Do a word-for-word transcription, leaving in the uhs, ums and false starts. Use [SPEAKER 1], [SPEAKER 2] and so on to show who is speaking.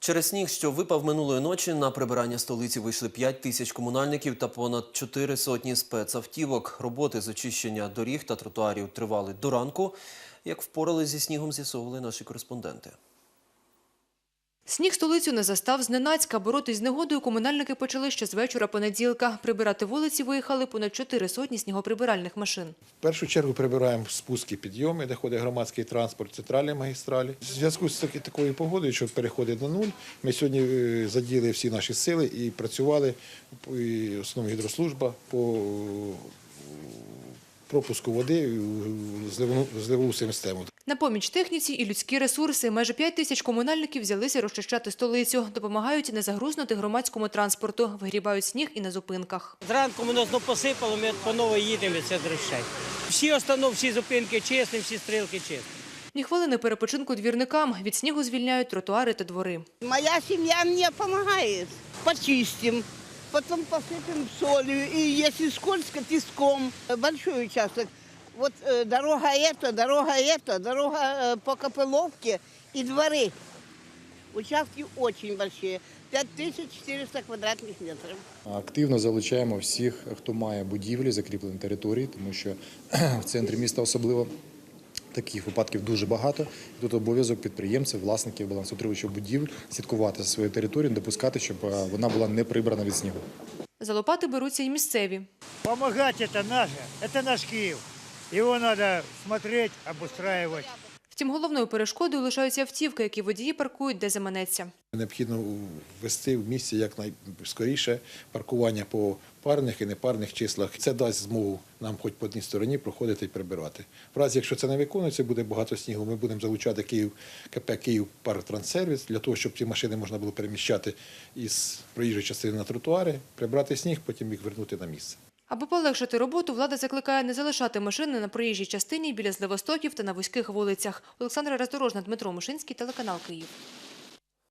[SPEAKER 1] Через сніг, що випав минулої ночі, на прибирання столиці вийшли п'ять тисяч комунальників та понад чотири сотні спецавтівок. Роботи з очищення доріг та тротуарів тривали до ранку. Як впорали зі снігом, з'ясовували наші кореспонденти.
[SPEAKER 2] Сніг столицю не застав зненацька. Боротись з негодою комунальники почали ще з вечора понеділка. Прибирати вулиці виїхали понад чотири сотні снігоприбиральних машин.
[SPEAKER 3] В першу чергу прибираємо спуски, підйоми, де ходить громадський транспорт, центральні магістралі. В зв'язку з такою погодою, що переходить на нуль, ми сьогодні задіяли всі наші сили і працювали, і основна гідрослужба, по пропуску води в зливову систему.
[SPEAKER 2] На поміч техніці і людські ресурси. Майже п'ять тисяч комунальників взялися розчищати столицю. Допомагають не загрузнути громадському транспорту. Вигрібають сніг і на зупинках.
[SPEAKER 4] Зранку ми нас посипало, ми по новій їдемо від цих дрищей. Всі установки, всі зупинки чесні, всі стрілки чесні.
[SPEAKER 2] Ні хвилини перепочинку двірникам. Від снігу звільняють тротуари та двори.
[SPEAKER 5] Моя сім'я мені допомагає. Почистимо, потім посипемо солью, і якщо скользко, піском. Великий участок. Вот э, дорога эта, дорога эта, дорога э, по Копыловке и дворы. Участки очень большие, п'ять тисяч чотириста квадратних метрів.
[SPEAKER 6] Активно залучаємо всіх, хто має будівлі, закріплені території, тому що в центрі міста особливо таких випадків дуже багато. Тут обов'язок підприємців, власників, балансоутримувачів будівель слідкувати за своєю територією, не допускати, щоб вона була не прибрана від снігу.
[SPEAKER 2] За лопати беруться і місцеві.
[SPEAKER 7] Помогать – це наше, це наш Київ. Його треба смотреть, обустраювати.
[SPEAKER 2] Втім, головною перешкодою лишаються автівки, які водії паркують, де заманеться.
[SPEAKER 3] Необхідно ввести в місті якнайскоріше паркування по парних і непарних числах. Це дасть змогу нам хоч по одній стороні проходити і прибирати. В разі, якщо це не виконується, буде багато снігу, ми будемо залучати Київ, КП «Київпарктранссервіс» для того, щоб ці машини можна було переміщати із проїжджої частини на тротуари, прибрати сніг, потім їх вернути на місце.
[SPEAKER 2] Аби полегшити роботу, влада закликає не залишати машини на проїжджій частині біля зливостоків та на вузьких вулицях. Олександра Роздорожна, Дмитро Мушинський, телеканал «Київ».